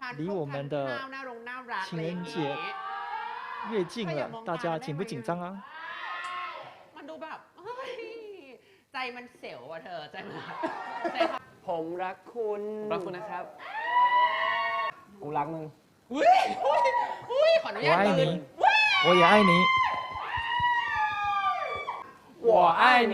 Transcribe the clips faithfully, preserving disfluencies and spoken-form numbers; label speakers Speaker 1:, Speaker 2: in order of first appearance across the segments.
Speaker 1: 离我们的情人节越近了，大家紧不紧张啊？
Speaker 2: มันดูแบบเฮ้ยใจมันเสียวอ่ะเธอใจมันใจ
Speaker 3: ผมรักคุณรักคุณนะครับกูรักมึง
Speaker 2: อุ้ยอุ้ยอุ้ยขออนุ
Speaker 1: 我
Speaker 2: ญาต
Speaker 1: 爱
Speaker 2: เลย
Speaker 1: 你，我也爱你。
Speaker 3: 我爱你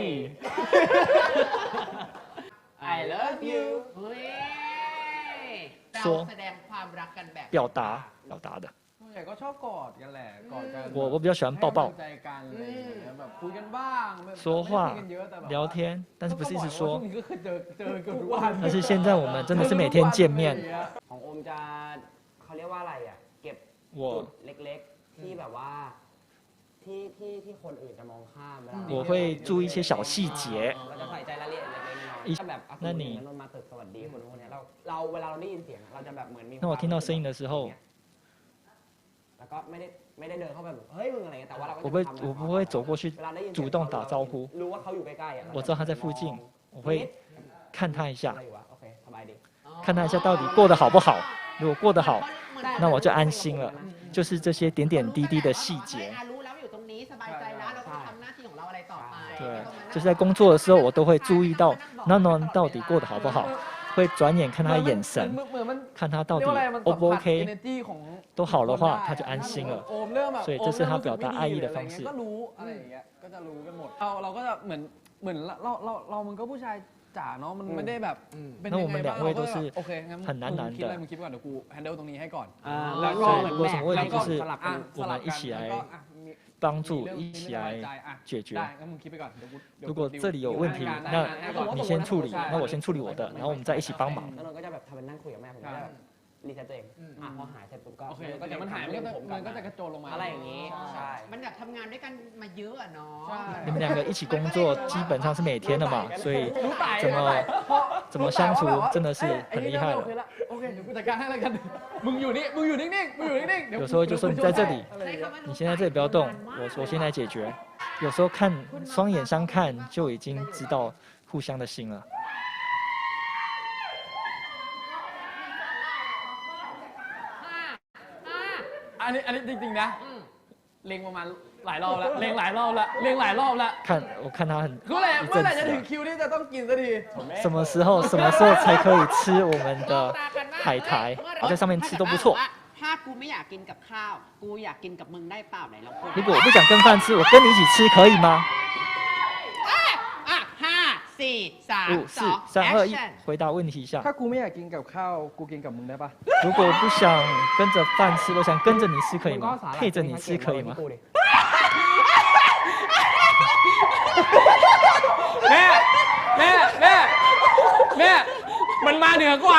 Speaker 2: I love you เฮ้ยเรา
Speaker 1: 说
Speaker 2: แสดงความรักกันแบบ
Speaker 1: 表达表达的。
Speaker 4: ส่วนใหญ่ก็ชอบกอดกันแหละกอดกัน
Speaker 1: 我我比较喜欢抱抱
Speaker 4: ให้กำลังใจกันอะไรอย่างเงี้ยแบบคุยกันบ้างแบบ
Speaker 1: 说话
Speaker 4: ไม่ได้คุยกันเยอะแต่แบบ
Speaker 1: 聊天，但是不是一直
Speaker 4: ก็บอกว่าช่ว
Speaker 1: 说
Speaker 4: ง，นี้ก็คือเจอเจอกันทุกวัน
Speaker 1: 但是现在我们真的是每天见面。
Speaker 3: ของโอมจะเขาเรียกว่าอะไรอ่ะเก็บจุ
Speaker 1: 我
Speaker 3: ดเล็กๆที่แบบว่าที่ที่ที่คนอื่นจะมองข้ามเวลา
Speaker 1: 我会注意一些小细节。
Speaker 3: เราจะใส่ใจรายละเอียดเล็กๆน้อย
Speaker 1: อี
Speaker 3: ๆถ้าแบบอ่ะ
Speaker 1: นั่
Speaker 3: คน
Speaker 1: นนี่
Speaker 3: อื่นมาตึกสวัสดีคนนู้นคนนี้เราเราเวลาเราได้ยินเสียงเราจะแบบเหมือนมี
Speaker 1: 那我听到声音的时候，
Speaker 3: แล้วก็ไม่ได้ไม่ได้เดินเข้าไปแบบเฮ้ยมึงอะไรเงี้ยแต่ว่าเราก็
Speaker 1: 我不会
Speaker 3: จะทำ
Speaker 1: 我不会走过去
Speaker 3: เวลาได้ยิน
Speaker 1: 主动打招呼，
Speaker 3: รู้ว่าเขาอยู่ใกล้ๆอ่ะ
Speaker 1: 我知道他在附近，我会看他一
Speaker 3: อะ
Speaker 1: 下
Speaker 3: ไร，อยู่วะโอเคสบายดี
Speaker 1: 看他一下到底过得好不好。如果过得好，那我就安心了。就是这些点点滴滴的细节。
Speaker 2: รู้แล้วอยู่ตรงนี้สบายใจแล้วเราก็ทำหน้าที่ของเราอะไรต่อไป
Speaker 1: 对，就是在工作的时候，我都会注意到 n o n o 到底过得好不好，会转眼看他的眼神，
Speaker 4: เหมือนมัน
Speaker 1: 看他到
Speaker 4: เรีย
Speaker 1: 底
Speaker 4: กว่าอะไรมัน
Speaker 1: O
Speaker 4: สัม
Speaker 1: 不
Speaker 4: ผัส
Speaker 1: OK，
Speaker 4: energy ของ
Speaker 1: 都好的话，他就安心了。
Speaker 4: โอมเริ่มแบบ
Speaker 1: 所以这是他表达爱意的方式
Speaker 4: ก็รู้อะไรอย่างเงี้ยก็จะรู้กันหมดเราเราก็จะเหมือนเหมือนเราเราเรามันก็ผู้ชายจ๋าเนาะมันไม่ได้แบบเป็นยังไงบ้างเราก็แบบโอเคงั้นมึงคิดอะไรมึงคิดก่อนเดี๋ยวกูแฮนเดิลตรงนี้ให้ก่อน
Speaker 3: อ่า
Speaker 4: แล้วก็
Speaker 1: 所以如果什么问题就是
Speaker 3: สลับ
Speaker 4: อ่ะ
Speaker 1: 我们一起
Speaker 4: แล้ว
Speaker 1: 来
Speaker 4: ก็อ่ะมี
Speaker 1: 帮助，
Speaker 4: มี
Speaker 1: 一起
Speaker 4: เรื่อง
Speaker 1: 来
Speaker 4: ไม่สบายใจอ่ะ
Speaker 1: 解决
Speaker 4: ได้。งั้นมึงคิดไปก่อนเดี๋ยวกูเดี๋ยว
Speaker 1: 如
Speaker 4: กู
Speaker 1: 果这里有问题，那你先处理，那我先处理我的，然后我们再一起帮忙。
Speaker 3: แล้วเราก็จะแบบทำเป็นนั่งคุยกับแม่ผมก็จะแบบรีเซ็ตตัวเองอ่ะพอหายเสร็จปุ๊บก็
Speaker 4: โอเคเดี๋ยวมันหายมันก็จะ
Speaker 3: ผม
Speaker 4: มันก็จะกระโจนลงมา
Speaker 3: อะไรอย่างนี้ใช่
Speaker 2: มันอยากทำงานด้วยกันมาเยอะอะเนาะ
Speaker 4: ใช่
Speaker 1: 你们两个一起工作，基本上是每天的嘛，所以
Speaker 4: รู้ไต่
Speaker 1: 怎么怎么相处真的是很厉害了。
Speaker 4: โอเคเดี๋ยวกูจัดการให้แล้วกันมึงอยู่นี่มึงอยู่นิ่งๆมึงอยู่นิ่งๆเดี๋ยว
Speaker 1: 有时候就说你在这里，
Speaker 4: อะไรอย่างเงี้ย
Speaker 1: 你先在这里不要动，我我先来解决。有时候看双眼相看就已经知道互相的心了。
Speaker 4: อันนี้อันนี้จริงๆนะเล็งประมาณหลายรอบแล้วเล็งหลายรอบแล้วเล็งหลายรอบแล้ว
Speaker 1: 看我看他很
Speaker 4: เมื่อไหร่
Speaker 1: 一
Speaker 4: เมื่อไหร่
Speaker 1: 阵
Speaker 4: จะ
Speaker 1: 子
Speaker 4: ถึง
Speaker 1: 了，
Speaker 4: คิวที่จะต้องกินสักที
Speaker 1: 什么时候什么时候才可以吃我们的海苔？我在上面吃都不错。
Speaker 2: ถ้ากูไม่อยากกินกับข้าว กูอยากกินกับมึงได้เปล่าไหนลองพูด
Speaker 1: 如果我不想跟饭吃，我跟你一起吃可以吗？
Speaker 2: อ่ะห้าสี่สาม
Speaker 1: 五
Speaker 2: ส
Speaker 1: 四
Speaker 2: อง
Speaker 1: 三二一
Speaker 2: action，
Speaker 1: 回答问题一下。
Speaker 4: ถ้ากูไม่อยากกินกับข้าวกูกินกับมึงได้ปะ
Speaker 1: 如果我不想跟着饭吃，我想跟着你吃可以吗？配着你吃可以吗？
Speaker 4: แม่แม่แม่แม่มันมาเหนือกว่า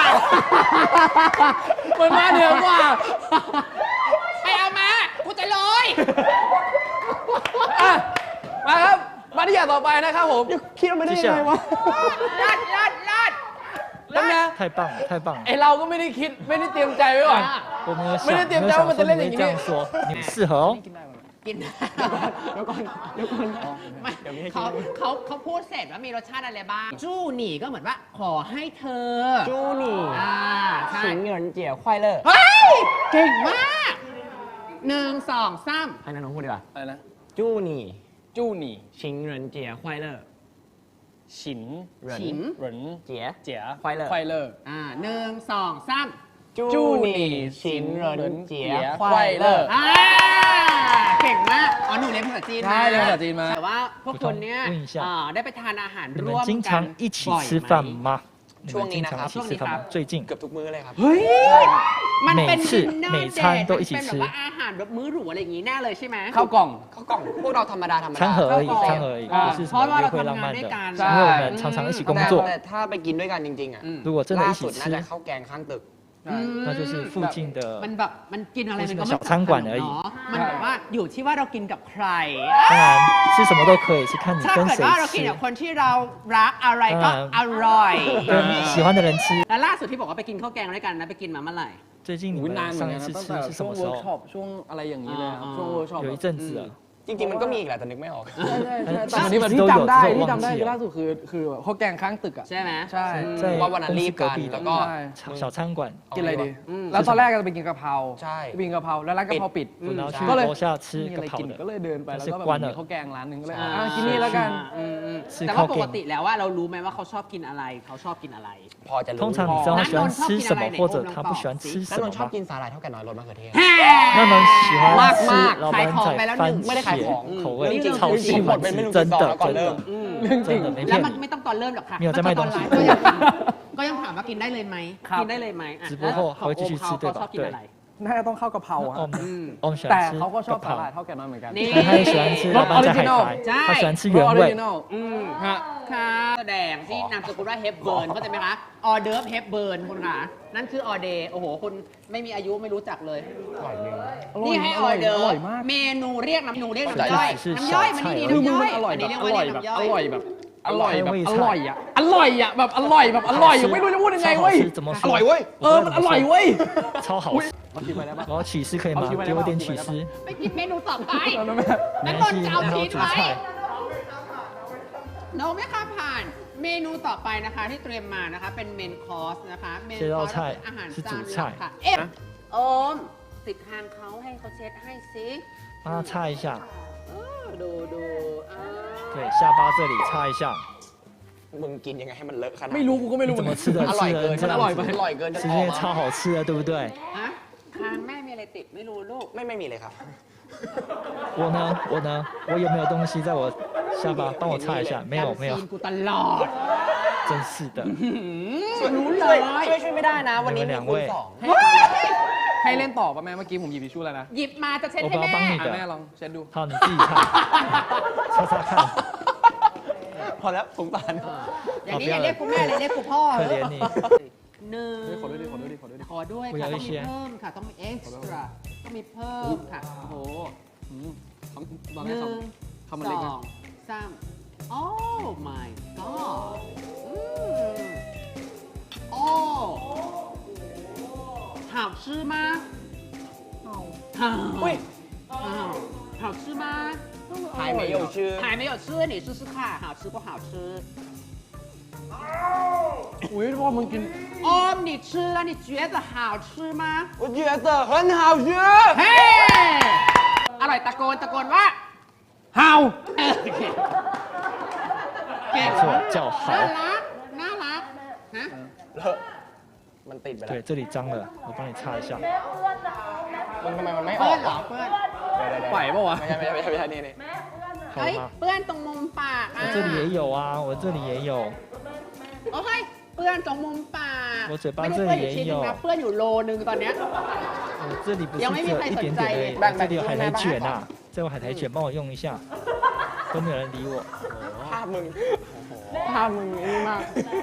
Speaker 4: มันมาเหนือกว่า
Speaker 2: ไปเอามา กูจะลอย
Speaker 4: อ่ะมาครับมาที่อย่างต่อไปนะครับผม
Speaker 3: คิดว่าไม่ได้ยังไงวะ
Speaker 2: ลัดลัดลัด
Speaker 4: แล้วนะ
Speaker 1: 太棒了，太棒了
Speaker 4: ไอ！เราก็ไม่ได้คิดไม่ได้เตรียมใจไว้ก่อน
Speaker 1: 我没有想，
Speaker 4: 没得
Speaker 1: 没有
Speaker 4: 点赞我们
Speaker 1: 想说你
Speaker 4: 得练你
Speaker 1: 会这样说，你们适合哦。
Speaker 2: กิน
Speaker 3: เดี๋ยวก่อนเดี๋ยวก่อน
Speaker 2: ไม่
Speaker 3: เดี๋ยวมีให้กิ
Speaker 2: เขา
Speaker 3: น
Speaker 2: เขาเขาพูดเสร็จว่ามีรสชาติอะไรบ้าง จู้หนี่ก็เหมือนว่า ขอให้เธอ
Speaker 3: จูนี่
Speaker 2: อ่าใช่
Speaker 3: สิงเหรินเจี๋ยวควายเลอร์
Speaker 2: เฮ้ย เก่งมากหนึ่งสองสาม
Speaker 3: ให้น้องพูดดีกว่า
Speaker 4: อะไรนะ
Speaker 3: จูนี่
Speaker 4: จู้หนี่
Speaker 3: สิงเหรินเจี๋ยวควายเลอร์
Speaker 4: ฉิน
Speaker 2: ฉิน
Speaker 4: เหริน
Speaker 3: เจี๋ย
Speaker 4: เจี๋ย
Speaker 3: ควายเลอร์
Speaker 4: ควายเลอร์
Speaker 2: อ่าหนึ่งสองสาม
Speaker 3: จูนี่สิงเหรินเจี๋ยควายเลอร์
Speaker 2: อ่าเก่งมาก อ๋อ หนูเรียนภาษาจีน
Speaker 4: ใช่เรียนภาษาจีนมา
Speaker 2: แต่ว่าพวกคนเนี้ย
Speaker 1: 问一下
Speaker 2: อ่าได้ไปทานอาหาร
Speaker 1: 你
Speaker 2: ร่ว
Speaker 1: 们
Speaker 2: ม
Speaker 1: 经
Speaker 2: กัน
Speaker 1: 常一起
Speaker 2: บ่อย
Speaker 1: 吃
Speaker 2: ไห
Speaker 1: 饭
Speaker 2: ม
Speaker 1: 吗？你
Speaker 3: ช่วง
Speaker 1: 们
Speaker 3: นี้
Speaker 1: 经
Speaker 3: นะค
Speaker 1: 常
Speaker 3: รับ
Speaker 1: 一起吃饭吗？最近
Speaker 3: เกือบทุกมื้อเลยครับ
Speaker 2: เฮ้ย มันเป็น
Speaker 1: 每次
Speaker 2: dinner
Speaker 1: 每
Speaker 2: date
Speaker 1: 餐都一起
Speaker 2: มันเป็น
Speaker 1: 吃
Speaker 2: แบบว่าอาหารแบบมื้อหรูอะไรอย่างงี้แน่เลยใช่ไหม
Speaker 4: ข้าวกล่อง
Speaker 3: เขากล่องพวกเราธรรมดาธรรมดา
Speaker 1: 餐盒而已，
Speaker 2: เข้าก่อน
Speaker 1: 餐盒而已，
Speaker 4: 啊
Speaker 1: 不是什么约会浪漫的，
Speaker 2: ใช่
Speaker 1: 因为我们常常一起工
Speaker 3: แต่
Speaker 1: 作。
Speaker 3: แต่ถ้าไปกินด้วยกันจริงๆอ่ะ
Speaker 2: อืม
Speaker 1: 如果真的
Speaker 3: ล่า
Speaker 1: 一
Speaker 3: สุ
Speaker 1: 起
Speaker 3: ดน่าจะ
Speaker 1: 吃，
Speaker 3: ข้าวแกงข้างตึก
Speaker 1: 那就是附近
Speaker 2: มัน
Speaker 1: 的。
Speaker 2: แบบมันกินอะไรมันก็
Speaker 1: 就是
Speaker 2: ไม่
Speaker 1: 小餐馆而已
Speaker 2: เนาะมันแบบว่าอยู่ที่ว่าเรากินกับใคร
Speaker 1: 当然吃什么都可以，是看你
Speaker 2: ถ้า
Speaker 1: 跟
Speaker 2: เกิด
Speaker 1: 谁
Speaker 2: ว่าเรากิน
Speaker 1: 吃
Speaker 2: กับ，คนที่เรารักอะไรก็
Speaker 1: อ่า
Speaker 2: อร่อย
Speaker 1: 跟喜欢的人吃。
Speaker 2: แล้วล่าสุดที่บอกว่าไปกินข้าวแกงด้วยกันนะไปกินมาเมื่อไหร่
Speaker 1: 最近你
Speaker 4: อุ้ย
Speaker 1: 们
Speaker 4: นานเหมือน
Speaker 1: 上
Speaker 4: กั
Speaker 1: 一
Speaker 4: น
Speaker 1: 次
Speaker 4: นะตั้ง
Speaker 1: 吃
Speaker 4: แต่
Speaker 1: 是什
Speaker 4: ช่วง
Speaker 1: 么时
Speaker 4: เวิร์กช็อ
Speaker 1: 候？
Speaker 4: ปช่วงอะไรอย่างนี้เลยครับ
Speaker 2: อ่า
Speaker 4: ช่วงเวิร์กช็อป
Speaker 1: 有一阵子了。
Speaker 3: จริงๆมันก็มีอีกแหละแต่นึกไม่ออก
Speaker 4: ใช่ใช่ใช่
Speaker 1: 哎
Speaker 4: แต่วันนี้แบบ
Speaker 1: 其实
Speaker 4: ที่
Speaker 1: 都有
Speaker 4: จำได้
Speaker 1: 这种
Speaker 4: ที่
Speaker 1: 忘
Speaker 4: จำได้
Speaker 1: 记
Speaker 4: คือล่า
Speaker 1: 了。
Speaker 4: สุดคือคือข้าวแกงข้างตึกอ่ะ
Speaker 2: ใช่ไหม
Speaker 4: ใช่
Speaker 1: 在
Speaker 3: ว่าวันนั้น
Speaker 1: 公
Speaker 3: รี
Speaker 1: 司
Speaker 3: บกั
Speaker 1: 隔
Speaker 3: น
Speaker 1: 壁
Speaker 3: แล้ว
Speaker 1: 的
Speaker 3: ก็
Speaker 4: ใช่
Speaker 1: 小餐馆，
Speaker 4: กินอะไรดี
Speaker 2: อืม
Speaker 4: แล้วตอนแรกจะไปกินกะเพรา
Speaker 3: ใช่
Speaker 4: ไปกินกะเพราแล้วร้านกะเพราปิด
Speaker 1: 然后去
Speaker 4: ก็เลย
Speaker 1: 楼下
Speaker 4: มี
Speaker 1: 吃
Speaker 4: อะไร
Speaker 1: กะเพรา
Speaker 4: กิน
Speaker 1: 的
Speaker 4: ก็เลยเดินไปแล้วก็แบบ
Speaker 1: 关了
Speaker 4: มีข้าวแกงร้านหนึ่งก็เลย
Speaker 2: อ่า
Speaker 4: อ่ะกินนี่แล้วกัน
Speaker 2: อืมอืม
Speaker 1: 吃
Speaker 2: แต่ว่า
Speaker 1: 靠
Speaker 2: ปก
Speaker 1: 近
Speaker 2: ติแล้วว่าเรารู้ไหมว่าเขาชอบกินอะไร เขาชอบกินอะไร
Speaker 3: พอจะรู้
Speaker 1: 通常你知道他喜欢吃什么，或者他不喜欢吃
Speaker 3: แล้ว
Speaker 1: 什
Speaker 3: น
Speaker 1: 么
Speaker 3: นท์ชอบ
Speaker 1: 吗？
Speaker 3: กินสาหร่ายเท่าแก่น้อยรสมะเขือเทศ
Speaker 1: 那么喜欢吃
Speaker 3: มากๆ
Speaker 1: 老
Speaker 2: ขาย
Speaker 1: 板
Speaker 2: ของไปแล้ว
Speaker 1: 仔
Speaker 2: หนึ่
Speaker 1: 番
Speaker 2: ง
Speaker 3: ไม่ได้ขายของ
Speaker 1: 茄口
Speaker 3: เรื่อง
Speaker 1: 味
Speaker 3: จริง
Speaker 1: 超
Speaker 3: จริ
Speaker 1: 喜
Speaker 3: งหมด
Speaker 1: 欢
Speaker 3: เป็นไม่
Speaker 1: 吃，
Speaker 3: รู้
Speaker 1: 真
Speaker 3: กี่ซอง
Speaker 1: 的
Speaker 3: แล้วก่อน
Speaker 1: 真
Speaker 3: เริ่ม
Speaker 1: 的
Speaker 2: อืม
Speaker 4: เรื่องจริง
Speaker 1: 真的没
Speaker 2: แล้ว
Speaker 1: 骗
Speaker 2: มัน
Speaker 1: 你。
Speaker 2: ไม่ต้องตอนเริ่มหรอกค่ะ
Speaker 1: มี有在卖
Speaker 2: ตอนไล
Speaker 1: 东西
Speaker 2: ฟ์ก็ยังถามก็ยังถามว่ากินได้เลยไหม
Speaker 4: ครับ
Speaker 2: กินได้เลยไหมอ่ะ
Speaker 1: 直播后
Speaker 2: แล้ว
Speaker 1: 还会继续吃
Speaker 2: เขา
Speaker 1: 对
Speaker 2: ชอบ
Speaker 1: 吧？
Speaker 2: กิน
Speaker 1: 对
Speaker 2: อะไร。
Speaker 4: น่าจะต้องเข้ากะเพรา
Speaker 1: 那
Speaker 4: อะ
Speaker 1: 我们
Speaker 2: อืม
Speaker 1: 我们喜
Speaker 4: แต่
Speaker 1: 欢吃
Speaker 4: เขาก็ชอบ
Speaker 1: กะเพ
Speaker 4: สาหร่าย
Speaker 1: รา，
Speaker 4: เท่าแก่น้อยเหมือนกัน
Speaker 2: นี่
Speaker 1: 但他也喜欢吃老板仔海苔，
Speaker 2: ใช่
Speaker 1: 他喜欢吃
Speaker 4: ออ
Speaker 1: 原
Speaker 4: ริ
Speaker 1: 味
Speaker 4: จิ。นอล
Speaker 2: อืม
Speaker 4: ฮะ
Speaker 2: ค่ะแสดงที่นามสกุลว่าเฮปเบิร์นเข้าใจไหมคะ ออเดิร์ฟเฮปเบิร์นคุณค่ะนั่นคือออเดย์โอ้โหคุณไม่มีอายุไม่รู้จักเลย
Speaker 3: อร่อยจริง
Speaker 2: นี่ให้ออเดอร์
Speaker 4: อร่อยมาก
Speaker 2: เมนูเรียกน้ำนูเรียก
Speaker 3: ใช่
Speaker 2: น้ำย่อย
Speaker 1: ใช่
Speaker 2: น้ำย่อยมันนี่ดี
Speaker 4: คือมึง
Speaker 2: น้ำย่
Speaker 4: มั
Speaker 2: อย
Speaker 4: นอร่อย
Speaker 2: อัน
Speaker 4: แบ
Speaker 2: นี้
Speaker 4: บ
Speaker 2: เรียก
Speaker 4: อ
Speaker 2: ว่า
Speaker 4: ร่อย
Speaker 2: เรียก
Speaker 4: แบบ
Speaker 2: น้ำย่อย
Speaker 4: อร่อยแบบอร่อยแบบอร่อยอ่ะอร่อยอ่ะแบบอร่อยแบบอร่อยอ่ะไม่รู้จะพูดยังไง
Speaker 1: 超
Speaker 4: เว้
Speaker 1: 好
Speaker 4: ย
Speaker 1: 吃，怎么
Speaker 3: อร่อย
Speaker 1: 说？
Speaker 3: เว้ย
Speaker 4: เออมันอร่อยเว้ย
Speaker 1: 超好吃。
Speaker 4: เอาชิมไปได้ปะ
Speaker 1: 然后起司可以吗
Speaker 4: 好奇怪？
Speaker 1: 给我点起
Speaker 4: 好奇
Speaker 1: 司。
Speaker 2: ไปกินเมนูต่อไป
Speaker 4: เอาแล้วแม่
Speaker 2: นั่น
Speaker 1: 没
Speaker 2: น
Speaker 1: 关
Speaker 2: น
Speaker 1: 系，
Speaker 2: จะเอา
Speaker 1: 然后
Speaker 2: ชีส
Speaker 1: 主
Speaker 2: ไว้
Speaker 1: 菜。
Speaker 2: น้องไม่ข้ามผ่านเมนูต่อไปนะคะที่เตรียมมานะคะเป็นเมนคอร์สนะคะเมนคอร์สคืออาหารจานหลักค่ะเอ๊ะโอมติดทางเขาให้เขาเช็ดให้ซิ
Speaker 1: 帮他擦一下，
Speaker 2: เออดูดูอ่า
Speaker 1: 对，下巴这里擦一下。
Speaker 3: มึงกินยังไงให้มันเลอะขนาด
Speaker 4: ไม่รู้กูก็ไม่รู้
Speaker 1: 你
Speaker 4: เหมื
Speaker 1: 怎
Speaker 4: อน
Speaker 1: 么
Speaker 4: กัน
Speaker 1: 吃的？
Speaker 3: อร่อย
Speaker 1: 吃
Speaker 3: เกิน
Speaker 1: 的这
Speaker 3: อร่อย
Speaker 1: 样
Speaker 3: ไป
Speaker 1: 子，
Speaker 3: อร่อยเกินจะ
Speaker 1: 是
Speaker 3: อ
Speaker 1: 因
Speaker 3: อก
Speaker 1: 为
Speaker 3: มา
Speaker 1: 超好吃的，对不对？
Speaker 2: ฮะคางแม่มีอะไรติดไม่รู้ลูก
Speaker 3: ไม่ไม่มีเลยครับ
Speaker 1: 我呢，我呢，我有没有东西在我下巴？帮我擦一下。没有，没有
Speaker 2: จำซีน，กูตลอด
Speaker 1: 真是的。
Speaker 2: รู้เล
Speaker 3: ช่วย
Speaker 2: ย
Speaker 3: ช่วยช่วยไม่ได้นะ วันนี้
Speaker 1: 你们
Speaker 3: มี
Speaker 1: 两
Speaker 3: คุณ
Speaker 1: 位
Speaker 3: สอง
Speaker 4: ให้เล่นต่อป่ะแม่เมื่อกี้ผมหยิบทิชชู่แล้วนะ
Speaker 2: หยิบมาจะเช็ด
Speaker 1: 我
Speaker 2: ให้
Speaker 1: 帮
Speaker 2: แม่
Speaker 1: 帮你
Speaker 4: อ่ะแม่
Speaker 1: 的。
Speaker 4: ลองเช็ดดู
Speaker 1: 好，你自己擦，擦擦看。
Speaker 3: พอแล้วสงสาร
Speaker 2: อย่างนี้อย่าเรียกกูแม่เลยเรียกกูพ่อ
Speaker 1: 可怜你。
Speaker 2: หนึ่ง
Speaker 4: เฮ้ยขอด้วยดิขอด้วยดิขอด้วยดิ
Speaker 2: ขอด้วย
Speaker 1: กู
Speaker 2: ค่ะ
Speaker 1: อยาก
Speaker 2: ต้อง
Speaker 1: ให้
Speaker 2: มี
Speaker 1: เชียร์
Speaker 2: เพิ่มค่ะต้องมีเอ็กซ์ตร้าต้องมีเพิ่มค่ะ โอ้โห
Speaker 4: อืมคำตอน
Speaker 2: ห
Speaker 4: แรก
Speaker 2: นึ่ง
Speaker 4: คำคำมัน
Speaker 2: ส
Speaker 4: เล็ก
Speaker 2: อ
Speaker 4: นะ
Speaker 2: งสามโอ้ my god อืมโอ้好吃吗好
Speaker 3: อุ้ย
Speaker 2: 好好吃吗
Speaker 3: หายไม่有ชื่อ
Speaker 2: 还没有吃你试试看好吃不好吃
Speaker 4: อุ้ยพอมึงกิน
Speaker 2: 哦你吃了你觉得好吃吗
Speaker 3: 我觉得很好吃
Speaker 2: เฮ้อร่อยตะโกนตะโกนว่า
Speaker 4: เห่า
Speaker 2: เออเก่งเก่ง
Speaker 1: 没错，叫
Speaker 2: น่า
Speaker 1: 好。
Speaker 2: รัก น่ารัก ฮะ
Speaker 3: เลอะมันติดไปแล้ว
Speaker 1: 对，这里脏了，我帮你擦一下。
Speaker 3: มึงทำไมมันไม่อ
Speaker 2: เพื่
Speaker 3: อ
Speaker 2: อน
Speaker 3: ก
Speaker 2: เหรอ
Speaker 3: วะ
Speaker 2: เพื่อน
Speaker 4: ไหวปะวะ
Speaker 3: ไม่ใช่ไม่ใช่ไม่ใช่ไม่ใช่นี่นี่
Speaker 1: 好
Speaker 2: เฮ้ย
Speaker 1: 了吗？
Speaker 2: เพื่อนตรงมุมปากอ่ะ
Speaker 1: 我这里也有啊，我这里也有。
Speaker 2: โอ้ยเพื่อนตรงมุมปาก
Speaker 1: 我嘴巴
Speaker 2: ไม่ได้
Speaker 1: 这
Speaker 2: เพื่อน
Speaker 1: 里
Speaker 2: อยู่ชิ้น
Speaker 1: 也
Speaker 2: นึง
Speaker 1: 有
Speaker 2: นะ。เพื่อนอยู่โลนึงตอนเนี้ย
Speaker 1: 我这里不是
Speaker 2: 有
Speaker 1: 只
Speaker 2: 没有
Speaker 1: 有一点点而已，
Speaker 3: 拜拜
Speaker 1: 我这里有海苔卷
Speaker 3: 拜
Speaker 1: 啊，这有海苔卷，帮我用一下。都没有人理我。
Speaker 3: ภาพมึงภาพมึงนี่มาก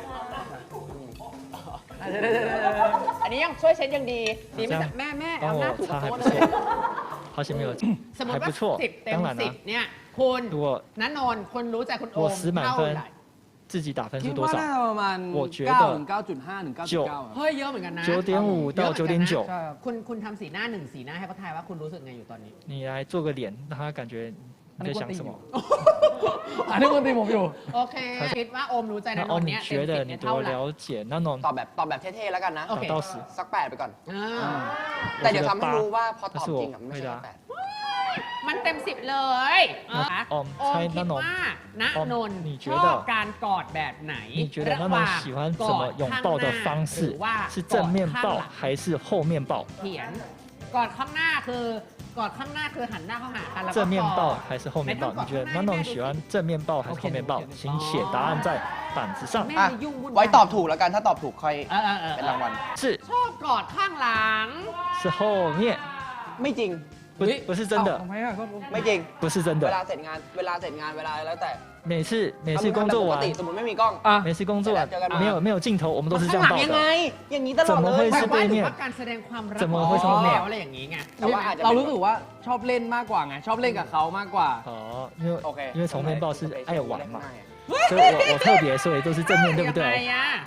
Speaker 2: อันนี้ยังช่วยเช็ดยังดี ดีไม่
Speaker 1: 这
Speaker 2: แต่
Speaker 1: 样
Speaker 2: แม่แม่
Speaker 1: 帮
Speaker 2: เอาหน้า
Speaker 1: 我
Speaker 2: ถูก
Speaker 1: 擦
Speaker 2: กับ
Speaker 1: 还
Speaker 2: โต๊ะ
Speaker 1: 不
Speaker 2: เลย
Speaker 1: 错，好险没有，
Speaker 2: สมม
Speaker 1: 还
Speaker 2: ติว่า
Speaker 1: 不错
Speaker 2: สิบ。เต็ม
Speaker 1: 当然
Speaker 2: สิ
Speaker 1: 啦
Speaker 2: บ，เนี่ยคุณ
Speaker 1: 如果
Speaker 2: นันนนท์คนรู้ใจคุณโอ
Speaker 1: 我
Speaker 2: ม
Speaker 1: 十满
Speaker 2: เท่า
Speaker 1: 分
Speaker 2: ไหร่
Speaker 1: 自己打分
Speaker 4: คิ
Speaker 1: 是
Speaker 4: ด
Speaker 1: 多
Speaker 4: ว่าน่า
Speaker 1: 少？
Speaker 4: จะประมาณ
Speaker 1: 我觉得
Speaker 4: เก้าถึงเก้าจุดห้าถึงเก้าจุดเก้าอะ
Speaker 2: เฮ้ยเยอะเหมือนกันนะ
Speaker 1: 九点五到九点九
Speaker 4: ใช่ครับ
Speaker 2: คุณคุณทำสีหน้าหนึ่งสีหน้าให้เขาทายว่าคุณรู้สึกไงอยู่ตอนนี้
Speaker 1: 你来做个脸，让他感觉你在想什么。
Speaker 4: อันนี้คนตีผมอยู่
Speaker 2: โอเค คิดว่าโอมรู้ใจนัน
Speaker 1: 那
Speaker 2: น
Speaker 1: 哦，
Speaker 2: นท์
Speaker 1: 你
Speaker 2: เนี่ยเต็ม
Speaker 1: 觉
Speaker 2: สิบ
Speaker 1: 得
Speaker 2: เนี่
Speaker 1: 你
Speaker 2: ยเท่า
Speaker 1: 多
Speaker 2: ไหร่
Speaker 1: 了解？那种
Speaker 3: ตอบแบบตอบแบบเท่ๆแล้วกันนะ
Speaker 2: โอเค
Speaker 1: 打到十，
Speaker 3: สักแปดไปก่อน
Speaker 2: อ่า
Speaker 1: 嗯，
Speaker 3: แต่
Speaker 1: 我
Speaker 3: เดี๋ยว
Speaker 1: 觉
Speaker 3: ทำ
Speaker 1: 得
Speaker 3: ให้รู้
Speaker 1: 八。
Speaker 3: ว่าพอตอบ
Speaker 1: 但是
Speaker 3: จริง
Speaker 1: 我
Speaker 3: อะไม่
Speaker 1: 回
Speaker 3: ใช่
Speaker 1: 答
Speaker 3: แปด
Speaker 2: มันเต็มสิบเลยนะคะ
Speaker 1: ออม
Speaker 2: โอม
Speaker 1: ใช่
Speaker 2: คิด
Speaker 1: นันนนท์
Speaker 2: ว่าณ
Speaker 1: ออม
Speaker 2: นนท์
Speaker 1: 你觉
Speaker 2: ช
Speaker 1: 得
Speaker 2: อบการกอดแบบไหน
Speaker 1: 你觉得
Speaker 2: ระ
Speaker 1: 那
Speaker 2: หว่าง
Speaker 1: 种喜欢
Speaker 2: ก
Speaker 1: 怎
Speaker 2: อ
Speaker 1: 么
Speaker 2: ด
Speaker 1: 拥
Speaker 2: ข้าง
Speaker 1: 抱
Speaker 2: ห
Speaker 1: 的
Speaker 2: น้า
Speaker 1: 方
Speaker 2: ห
Speaker 1: 式
Speaker 2: รือว่า
Speaker 1: 是
Speaker 2: กอ
Speaker 1: 正
Speaker 2: ด
Speaker 1: 面
Speaker 2: ข้าง
Speaker 1: 抱
Speaker 2: หลัง
Speaker 1: 还是后面抱？
Speaker 2: เขียนกอดข้างหน้าคือกอดข้างหน้าคือหันหน้าเข้าหากันแล้วก็
Speaker 1: 正面
Speaker 2: กอ
Speaker 1: 抱
Speaker 2: ด
Speaker 1: 还是后面抱？
Speaker 2: 没看过
Speaker 1: 你觉得那种喜欢正面抱还是后面抱？请写答案在板子上。
Speaker 2: แม่
Speaker 3: อ่ะ
Speaker 2: จะยุ่งวุ่นวาย
Speaker 3: ไว้ตอบถูกแล้วกันถ้าตอบถูกค่อย
Speaker 2: เออเออเออ
Speaker 3: เป็นรางวัล
Speaker 1: 是
Speaker 2: ชอบกอดข้างหลัง
Speaker 1: 是后面，
Speaker 3: ไม่จริง
Speaker 1: 不是不是真
Speaker 4: เอ้า
Speaker 1: 的
Speaker 4: ทำ，ไมอ่ะก็
Speaker 3: ไม่จริง
Speaker 1: 不是真
Speaker 3: เวลา
Speaker 1: 的。
Speaker 3: เสร็จงาน เวลาเสร็จงาน เวลาแล้วแต่
Speaker 1: 每次每
Speaker 3: ถ้า
Speaker 1: 次
Speaker 3: มึง
Speaker 1: 工
Speaker 3: ทำแบบ
Speaker 1: 作
Speaker 3: ปก
Speaker 1: 完
Speaker 3: ติสมมติไม่มีกล้อง
Speaker 4: อ่ะ
Speaker 1: 每次工作完
Speaker 3: เจอกันมา
Speaker 1: 没有没有镜头，我们都是这
Speaker 3: ข้าง
Speaker 1: 样
Speaker 3: หลัง
Speaker 1: 抱
Speaker 3: ยังไง
Speaker 1: 的。
Speaker 3: อย่างนี้ตลอดเล
Speaker 1: 怎么会
Speaker 3: ย
Speaker 1: 是
Speaker 2: แต่ว่า
Speaker 1: 背
Speaker 2: ถือ
Speaker 1: 面
Speaker 2: ว่าการแสดงความรัก
Speaker 1: 怎么会是
Speaker 2: อ๋อ
Speaker 1: 后面
Speaker 2: อะไรอย่างนี้ไง
Speaker 3: แต่ว่าอาจจะ
Speaker 4: เรารู้สึกว่าชอบเล่นมากกว่าไงชอบเล่นกับเขามากกว่า
Speaker 1: 哦，因为
Speaker 3: โอเค
Speaker 1: 因为从面抱是爱玩嘛，
Speaker 3: ง่ายอะ
Speaker 1: 所以我我特别所以都是正面，对不
Speaker 2: ยังไง
Speaker 1: 对？
Speaker 2: อะ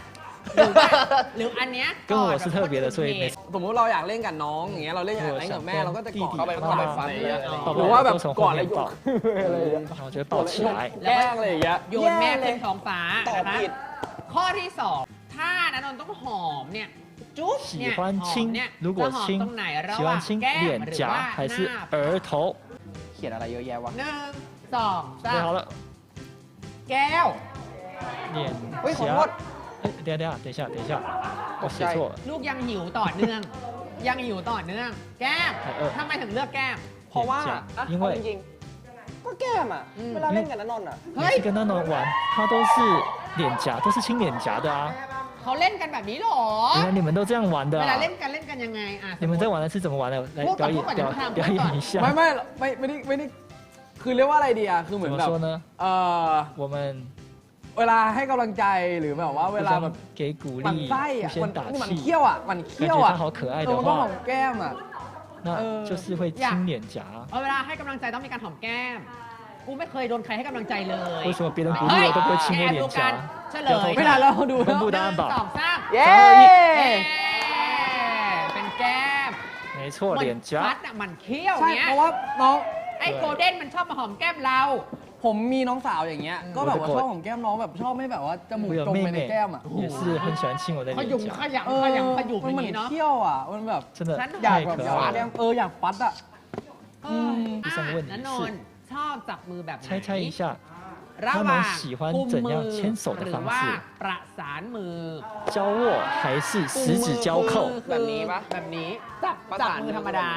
Speaker 2: หรือว่าหรืออันเนี้ย
Speaker 1: 跟我是特别的，所以每次
Speaker 4: สมมุติเราอยากเล่นกับน้องอย่างเงี้ยเราเล่นอยากเล่นกับแม่เราก็จะกอดเข้าไป
Speaker 1: 弟弟
Speaker 4: เข้าไป
Speaker 1: 妈
Speaker 4: ฟัน
Speaker 1: 妈
Speaker 4: อะไรอย่างเงี้ย
Speaker 1: 抱
Speaker 4: หรือว่า
Speaker 1: 抱
Speaker 4: แบบ
Speaker 1: 都从
Speaker 4: กอ
Speaker 1: 后
Speaker 4: ดอะไร
Speaker 1: 面
Speaker 4: อยู่
Speaker 1: 抱，
Speaker 4: อะไรอย่างเงี้ย
Speaker 1: 然后就会抱起来。
Speaker 4: แกล้งอะไรอย่างเงี้ย
Speaker 2: โยนแม่ขึ้นท้องฟ้า
Speaker 3: ตอบ
Speaker 2: นะคะ
Speaker 3: ผิด
Speaker 2: ข้อที่สองถ้านันนนท์ต้องหอมเนี่ยจุ๊บเนี่ย
Speaker 1: 喜欢
Speaker 2: หอม
Speaker 1: 亲
Speaker 2: เนี่ย
Speaker 1: 如果
Speaker 2: จะหอม
Speaker 1: 亲
Speaker 2: ตรงไหนระ
Speaker 1: 喜
Speaker 2: หว่าง
Speaker 1: 欢亲
Speaker 2: แก้ม
Speaker 1: 脸
Speaker 2: หรือว่า
Speaker 1: 颊还
Speaker 2: ห
Speaker 1: 是
Speaker 2: น้า
Speaker 1: 额头？
Speaker 3: เขียนอะไรเยอะแยะวะ
Speaker 2: หนึ่งสองสา
Speaker 1: 准备
Speaker 2: ม
Speaker 1: 好了，
Speaker 2: แก้ว
Speaker 1: 脸
Speaker 3: เฮ้ยขอโทษ
Speaker 1: 颊。哎，等一下等一下等一下，我写错了。
Speaker 2: ลูกยังหิวต่อเนื่อง ยังหิวต่อเนื่อง แก้ม
Speaker 1: เออ
Speaker 2: ทำไมถึงเลือกแก้ม
Speaker 3: เพราะว่า
Speaker 1: 脸颊
Speaker 3: อ่ะ
Speaker 1: 因
Speaker 3: เอา
Speaker 1: 为
Speaker 3: จริงๆก็แก้มอ่ะ
Speaker 2: อืม
Speaker 3: เวลาเล่นกับนันนนท์อ่ะ
Speaker 2: เฮ้ย
Speaker 1: 每次跟那种玩，他都是脸颊，都是亲脸颊的啊。
Speaker 2: เขาเล่นกันแบบนี้เหรอ
Speaker 1: 原来你们都这样玩的
Speaker 2: เวลา
Speaker 1: 啊
Speaker 2: เล่นกันเล่นกันยังไงอ่ะ
Speaker 1: 你们在玩的是怎么玩的？来
Speaker 2: พูดก่
Speaker 1: 表
Speaker 2: อน
Speaker 1: 演
Speaker 2: พูดก่อน
Speaker 1: 表
Speaker 2: เดี๋ยวทำ
Speaker 1: 表
Speaker 2: พูดก่อน
Speaker 1: 演一下。
Speaker 4: ไม่ไม่ไม่ไม่ได้ไม่ได้คือเรียกว่าอะไรดีอะคือเหมื
Speaker 1: 怎
Speaker 4: อน
Speaker 1: 么
Speaker 4: แบบ
Speaker 1: 说呢？
Speaker 4: เออ
Speaker 1: 我们
Speaker 4: เวลาให้กำลังใจหรือแบบว่าเว
Speaker 1: 互
Speaker 4: ลาแบบ
Speaker 1: 相给鼓
Speaker 4: หมัน
Speaker 1: 励，
Speaker 4: ไส้
Speaker 1: 互
Speaker 4: อะมัน
Speaker 1: 相打
Speaker 4: นี่มัน
Speaker 1: 气。
Speaker 4: เคี้ยวอะมัน
Speaker 1: 感
Speaker 4: เคี้ย
Speaker 1: 觉
Speaker 4: วอะ
Speaker 1: 他好可爱
Speaker 4: เอ
Speaker 1: 的
Speaker 4: อมันต้องหอ
Speaker 1: 话，
Speaker 4: มแก้มอะ
Speaker 1: 那
Speaker 4: 呃
Speaker 1: 就是会亲脸颊。
Speaker 2: เอาเวลาให้กำลังใจต้องมีการหอมแก้ม กูไม่เคยโดนใครให้กำลังใจเลย
Speaker 1: 为什么别人鼓励我都不会亲我
Speaker 2: แอบ
Speaker 1: 脸
Speaker 2: ดูกัน
Speaker 1: 颊？
Speaker 2: เฉลย
Speaker 4: ไม่ทันแล้วดู
Speaker 1: 公
Speaker 4: แล้ว
Speaker 1: 布答案
Speaker 2: หนึ่งสอง
Speaker 1: 吧。
Speaker 2: สาม
Speaker 3: เย้
Speaker 2: เย้เป็นแก้ม
Speaker 1: 没错，
Speaker 2: เหมือน
Speaker 1: 脸
Speaker 2: พัด
Speaker 1: 颊。
Speaker 2: อ่ะมันเคี้ยว
Speaker 4: ใช่
Speaker 2: เนี้ย
Speaker 4: เพราะว่าน้อง
Speaker 2: ไอ้โกลเด้นมันชอบมาหอมแก้มเรา
Speaker 4: ผมมีน้องสาวอย่างเงี้ยก็แบบว่าชอบหอมแก้มน้องแบบชอบไม่แบบว่าจมูก
Speaker 1: 我有
Speaker 4: จม
Speaker 1: 妹
Speaker 4: ไปใน
Speaker 1: 妹
Speaker 4: แก้มอะ
Speaker 1: 也是很喜欢亲我的
Speaker 2: ข
Speaker 1: 脸
Speaker 2: ยุมข
Speaker 1: 颊，
Speaker 2: ยำ
Speaker 4: เอ
Speaker 2: ข
Speaker 4: อย
Speaker 2: ำขยุม
Speaker 4: มัน
Speaker 2: อ
Speaker 4: เหมื
Speaker 2: ย่าง
Speaker 4: อน
Speaker 2: นี้เนาะ
Speaker 4: เคี้ยวอะมันแบบ
Speaker 1: 真的
Speaker 2: ฉัน
Speaker 4: อยาก
Speaker 1: 太
Speaker 4: แบบ
Speaker 1: 可
Speaker 4: อยาก
Speaker 1: 爱
Speaker 4: แก้ม
Speaker 1: 了。
Speaker 4: เอออยากปัดอะ
Speaker 2: เออ
Speaker 1: 第
Speaker 2: อ่ะ
Speaker 1: 三个问题
Speaker 2: นันนน
Speaker 1: 是
Speaker 2: ท์ชอบจับมือแบบไหน
Speaker 1: 猜猜一下，
Speaker 2: ระหว่าง
Speaker 1: 他们喜欢
Speaker 2: กุม
Speaker 1: 怎
Speaker 2: มื
Speaker 1: 样
Speaker 2: อ
Speaker 1: 牵手的
Speaker 2: หรือ
Speaker 1: 方
Speaker 2: ว่า
Speaker 1: 式？
Speaker 2: ประสานมือ
Speaker 1: 交握还是十指交扣？
Speaker 3: แบบนี้ปะ
Speaker 2: แบบนี้จับ
Speaker 3: ประ
Speaker 2: จับ
Speaker 3: สาน
Speaker 2: มือธรรมดา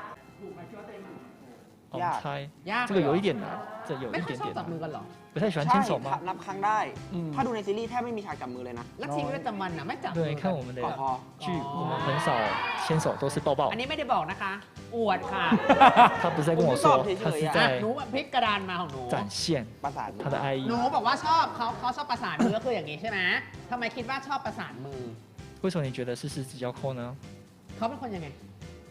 Speaker 1: 我们猜，
Speaker 2: ยาก
Speaker 1: 这个有一点难，这有
Speaker 2: ไม่
Speaker 1: 一
Speaker 2: ค่อย
Speaker 1: 点
Speaker 2: ชอบ
Speaker 1: 点
Speaker 2: จับมือ
Speaker 1: 难。
Speaker 2: กันเหรอ
Speaker 1: 不太喜欢
Speaker 3: ใช่
Speaker 1: 牵手吗？
Speaker 3: นับครั้งได้
Speaker 4: อืม
Speaker 3: ถ้าดูในซีรีส์แทบไม่มีฉากจับมือเลยนะ
Speaker 2: แล้วชีวิตประจำวันน่ะไม่จับมื
Speaker 1: 对，
Speaker 2: อ
Speaker 1: 看我们的
Speaker 3: พอพอ
Speaker 1: 剧，我们很少牵手，都是抱抱
Speaker 2: อัน。นี้ไม่ได้บอกนะคะ อวดค่ะ
Speaker 1: 他不是在跟我说，他是
Speaker 2: อ่ะ
Speaker 1: 在
Speaker 2: หนูพลิกกระดานมาของหนู
Speaker 1: 展现
Speaker 3: ประสานมือ
Speaker 1: 他的爱意
Speaker 2: หนู。บอกว่าชอบเขาเขาชอบประสานมือก็คืออย่างนี้ใช่ไหมทำไมคิดว่าชอบประสานมือ
Speaker 1: 为什么你觉得是十指交扣呢？
Speaker 2: เขาเป็นคนยังไง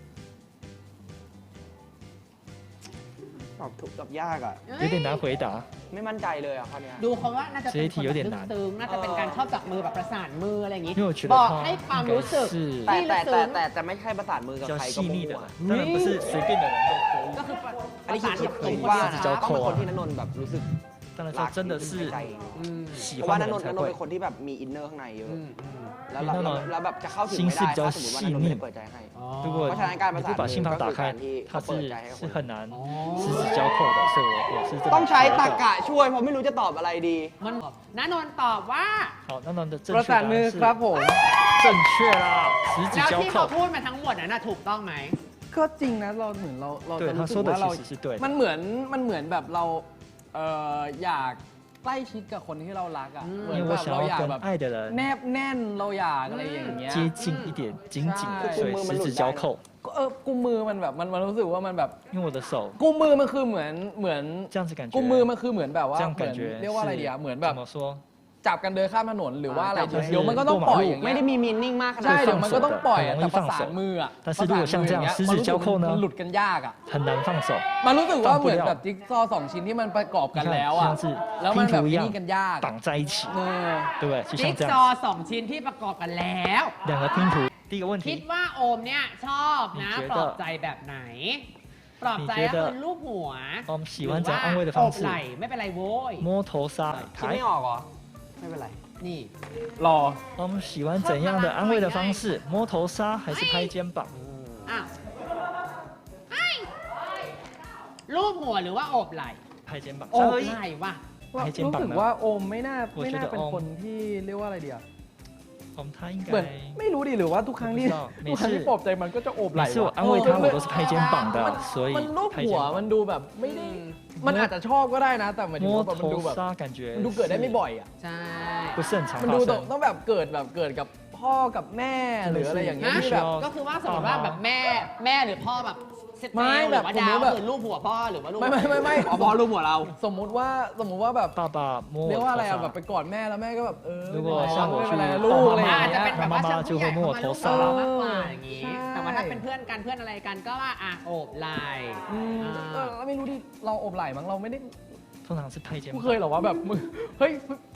Speaker 3: ตอบถูกตอบยากอ่ะ
Speaker 1: 有点难回答。
Speaker 3: ไม่มั่นใจเลยอ่ะข้อเนี้ย
Speaker 2: ดูเขาว่าน่าจะเป็นคน
Speaker 1: เจ๊ที有点
Speaker 2: แบบ
Speaker 1: 难
Speaker 2: ซึ้งๆน่าจะเป็นการชอบจับมือแบบประสานมืออะไรอย่างนี้
Speaker 1: 因为我觉得
Speaker 2: บอก
Speaker 1: 他
Speaker 2: ให้ความ
Speaker 1: 应该
Speaker 2: รู้สึก
Speaker 1: 是
Speaker 3: แต่
Speaker 2: ที่
Speaker 3: แต่
Speaker 2: ลึก
Speaker 3: แต่
Speaker 2: ซึ้ง
Speaker 3: แต่จะไม่ใช่ประสานมือ
Speaker 1: 比
Speaker 3: กับ
Speaker 1: 较
Speaker 3: ใครก็
Speaker 1: 细
Speaker 3: มั่
Speaker 1: 腻的
Speaker 3: ว
Speaker 1: 人，当然不是随便的人都可以。
Speaker 2: ก็คือ
Speaker 3: ๆอันนี้
Speaker 2: ประ
Speaker 3: คิ
Speaker 2: สา
Speaker 3: ด
Speaker 2: น
Speaker 3: คิด
Speaker 2: กับคน
Speaker 3: ว่า
Speaker 2: เดียว
Speaker 1: 十指交
Speaker 3: ต้องเป็น
Speaker 1: 扣
Speaker 3: คน
Speaker 1: 啊
Speaker 3: ที่นันนนท์แบบรู้สึก
Speaker 1: 当然
Speaker 3: รั
Speaker 1: 这真的是
Speaker 3: ใจ
Speaker 2: อืม
Speaker 1: 喜
Speaker 3: เพราะว่า
Speaker 1: 欢
Speaker 3: นั
Speaker 1: 的
Speaker 3: นนน
Speaker 1: 人
Speaker 3: ท์นั
Speaker 1: 才
Speaker 3: นนท์
Speaker 1: 会
Speaker 3: เป็น。คนที่แบบมีอินเนอร์ข้างในเยอะ
Speaker 2: อืมอืม
Speaker 3: แล้วเรา
Speaker 1: แน่นอน
Speaker 3: แล้วแบบจะเข้าถึง
Speaker 1: 心
Speaker 3: ไม่
Speaker 1: 是
Speaker 3: ได้
Speaker 1: 比较
Speaker 3: ถ้าสมมติว่านันนนท์ไม่ได้เปิดใจให้
Speaker 2: อ๋อ
Speaker 1: 如果
Speaker 3: เพราะฉะนั้นการประ
Speaker 1: 你
Speaker 3: สาน
Speaker 1: 不把心房打
Speaker 3: มือก็คือ
Speaker 1: 开
Speaker 3: การที่
Speaker 1: 它
Speaker 3: เขาเปิด
Speaker 1: 是
Speaker 3: ใจให้กับ
Speaker 1: 是
Speaker 3: คน
Speaker 1: 很难
Speaker 2: อ๋อ
Speaker 1: 十指交扣的，所以我我是这
Speaker 3: ต้อง
Speaker 1: 么
Speaker 3: ใช้
Speaker 1: 觉
Speaker 3: ตรร
Speaker 1: 得
Speaker 3: กะช่วยเพราะไม่รู้จะตอบอะไรดี
Speaker 2: มันนันนนท์ตอบว่า
Speaker 1: 好，那那的正
Speaker 4: ประ
Speaker 1: 确
Speaker 4: สาน
Speaker 1: 答
Speaker 4: มือ
Speaker 1: 案
Speaker 4: ครับ
Speaker 1: 是
Speaker 4: ผม
Speaker 1: 正确啦，十指
Speaker 2: แล้ว
Speaker 1: 交
Speaker 2: ที่เขา
Speaker 1: 扣。
Speaker 2: พูดมาทั้งหมดน่ะนะถูกต้องไหม
Speaker 4: ก็จริงนะเราเหมือนเราเรา
Speaker 1: 对
Speaker 4: จะ
Speaker 1: 他
Speaker 4: รู้สึ
Speaker 1: 说
Speaker 4: ก
Speaker 1: 的
Speaker 4: ว่าเรา
Speaker 1: 其实是对的
Speaker 4: มันเหมือนมันเหมือนแบบเราเอ่ออยากใกล้ชิดกับคนที่เรารักอ่ะ
Speaker 2: อืม
Speaker 4: เหมือน
Speaker 1: 因为
Speaker 4: แบ
Speaker 1: 我
Speaker 4: บ
Speaker 1: 想
Speaker 4: เราอยาก
Speaker 1: 要
Speaker 4: แบ
Speaker 1: 跟
Speaker 4: บ
Speaker 1: 爱的
Speaker 4: แน
Speaker 1: 人
Speaker 4: บแน่นเราอยากอะไรอย่างเงี้ย
Speaker 1: 接近一点，紧紧的，
Speaker 4: ใช่
Speaker 1: 所以十指交扣。
Speaker 4: ก็เออกุมมือมันแบบมันมันรู้สึกว่ามันแบบ
Speaker 1: 因为我的手
Speaker 4: กุมมือมันคือเหมือนเหมือน
Speaker 1: 这样子感觉，
Speaker 4: กุมมือมันคือเหมือนแบบว่า
Speaker 1: 这样
Speaker 4: เหมือ
Speaker 1: 感
Speaker 4: น
Speaker 1: 觉
Speaker 4: เรียกว่าอะไรดีอะเหมือนแบบ
Speaker 1: 怎么说？
Speaker 4: จับกันเดินข้ามถนนหรือว่าอะไร
Speaker 3: อ่าจับ
Speaker 4: เดี๋ยวมันก็ต้องปล่อยอย่าง
Speaker 3: ไม่
Speaker 4: เงี้ย
Speaker 3: ได้มีมีนิ่งมากขนาด
Speaker 4: ใช่
Speaker 3: นั้น
Speaker 4: เดี๋ยวมันก็ต้องปล่อยอะ
Speaker 1: 很容易
Speaker 4: แต่ประ
Speaker 1: 放
Speaker 4: สาน
Speaker 1: 手
Speaker 4: มืออะ
Speaker 1: 但是如果像这样
Speaker 4: ประสาน
Speaker 1: 十
Speaker 4: มื
Speaker 1: 指
Speaker 4: อ
Speaker 1: 交
Speaker 4: อย่าง
Speaker 1: 扣
Speaker 4: เงี้ย
Speaker 1: 呢
Speaker 4: มันหลุดกันยากอะ
Speaker 1: 很难放手，
Speaker 4: มันรู้สึกว่าเหมือน
Speaker 1: 放不了
Speaker 4: แบบจิ๊กซอว์สองชิ้นที่มันประกอบกันแล้วอะ
Speaker 1: 像是
Speaker 4: แล้วมัน
Speaker 1: 拼
Speaker 4: แบบ
Speaker 1: 图一
Speaker 4: นี่
Speaker 1: 样
Speaker 4: กันยาก
Speaker 1: 绑在一起，
Speaker 4: เออ
Speaker 1: 对不对？就
Speaker 2: จิ๊
Speaker 1: 像
Speaker 2: ก
Speaker 1: 这
Speaker 2: ซอ
Speaker 1: 样，
Speaker 2: ว์สองชิ้นที่ประกอบกันแล้ว
Speaker 1: 两个拼图。第一个问
Speaker 2: คิด
Speaker 1: 题，
Speaker 2: ว่าโอมเนี่ยชอบนะ
Speaker 1: 你觉得
Speaker 2: ปลอบใจแบบไหน ปลอบใจ
Speaker 1: 你觉
Speaker 2: ก็
Speaker 1: 得
Speaker 2: คือลูบหัว
Speaker 1: 我们喜欢怎样安慰的
Speaker 2: หรือว่า
Speaker 1: 方
Speaker 2: โอบไห
Speaker 1: 式？
Speaker 2: ล่ไม่เป็นไรโว้ย
Speaker 1: 摸头杀
Speaker 3: คิด
Speaker 1: 台
Speaker 3: ไม่。ออกเหรอ ไม่เป็นไร
Speaker 2: นี่
Speaker 4: รอ
Speaker 1: 我们喜欢怎样的安慰的方式？摸头杀还是拍肩膀？
Speaker 2: อ้าวไอ้ลูบหัวหรือว่าโอบไหล่
Speaker 1: 拍肩膀。
Speaker 2: โอ
Speaker 1: 三
Speaker 2: บ
Speaker 1: 二一
Speaker 2: ไหล่ว่ะ
Speaker 4: ว่า
Speaker 1: ให้เจม
Speaker 4: รู้
Speaker 1: ปัง
Speaker 4: สึก
Speaker 1: นะ
Speaker 4: ว่าโอมไม่น่า
Speaker 1: 我觉得
Speaker 4: ไม่น่าเป็น
Speaker 1: โอม
Speaker 4: คนที่เรียกว่าอะไรเดียว
Speaker 1: 我们他应
Speaker 4: เหมือน
Speaker 1: 该
Speaker 4: ไม่รู้ดิหรือว่าทุกครั้งที่
Speaker 1: 我不知道
Speaker 4: ทุกครั้งที่
Speaker 1: 每次
Speaker 4: ปลอบใจมันก็จะโอบไหล่
Speaker 1: 每次我
Speaker 4: ว่ะ
Speaker 1: 安慰他，我都是拍肩膀
Speaker 4: มัน
Speaker 1: 的，所以
Speaker 4: มันรูป
Speaker 1: 拍
Speaker 4: หั
Speaker 1: 肩
Speaker 4: วมัน
Speaker 1: 膀。
Speaker 4: ดูแบบไม่ได้ มันอาจจะชอบก็ได้นะ แต่หมายถึง
Speaker 1: 摸
Speaker 4: ว่าแบบมันดู
Speaker 1: 头
Speaker 4: แบบ
Speaker 1: 杀感觉
Speaker 4: มันดูเกิดได้ไม่บ่อยอ่ะ
Speaker 2: ใช่
Speaker 1: 不是很常
Speaker 4: มัน
Speaker 1: 发
Speaker 4: ดูต้อง
Speaker 1: 生。
Speaker 4: ต้องแบบเกิดแบบเกิดกับพ่อกับแม่หรืออะไรอย่างเงี้ย
Speaker 2: นะ
Speaker 4: ที่แบบ
Speaker 2: ก็คือว่าสมมติว่าแบบแม่แม่หรือพ่อแบบเซต
Speaker 4: ไม่
Speaker 2: เตลหรือว่า
Speaker 4: แบบ
Speaker 2: ดาว
Speaker 4: สมมุติแบบ
Speaker 2: คือลูบหัวพ่อหรือว่าลูบ
Speaker 4: ไม่ไม่ไม่ไม่
Speaker 3: อ๋อพอรู้หัวเรา
Speaker 4: สมมุติว่าสมมุติว่าแบบ
Speaker 1: 爸爸摸我
Speaker 4: เรียก
Speaker 1: 头
Speaker 4: ว่าอะไรอ่ะแบบ
Speaker 1: 杀
Speaker 4: ไปกอดแม่แล้วแม่ก็แบบเออ
Speaker 1: 如果像我
Speaker 4: ไม่
Speaker 1: 去
Speaker 4: เป็นไรนะ
Speaker 1: 抱
Speaker 4: ลูกอะไรอ
Speaker 1: 妈
Speaker 4: ย่าง
Speaker 2: อาจจะ
Speaker 4: เงี้ย
Speaker 2: เป็นแบบว่า
Speaker 1: 妈妈
Speaker 2: เชิง
Speaker 1: 就
Speaker 2: ผู้ใหญ่
Speaker 1: 会摸我
Speaker 2: มา
Speaker 1: 头
Speaker 2: ลูบ
Speaker 1: 杀
Speaker 2: เรามากกว่าอย่างนี้
Speaker 4: ใช่
Speaker 2: แต่ว่าถ้าเป็นเพื่อนกันเพื่อนอะไรกันก็ว่าอ่ะโอบไหล่
Speaker 4: อืม
Speaker 2: อ่า
Speaker 4: เออแล้วไม่รู้ดิเราอบไหล่มั้งเราไม่ได้
Speaker 1: 通常是拍肩
Speaker 4: กู
Speaker 1: 膀
Speaker 4: เค。ยเหรอว่าแบบมึงเฮ้ย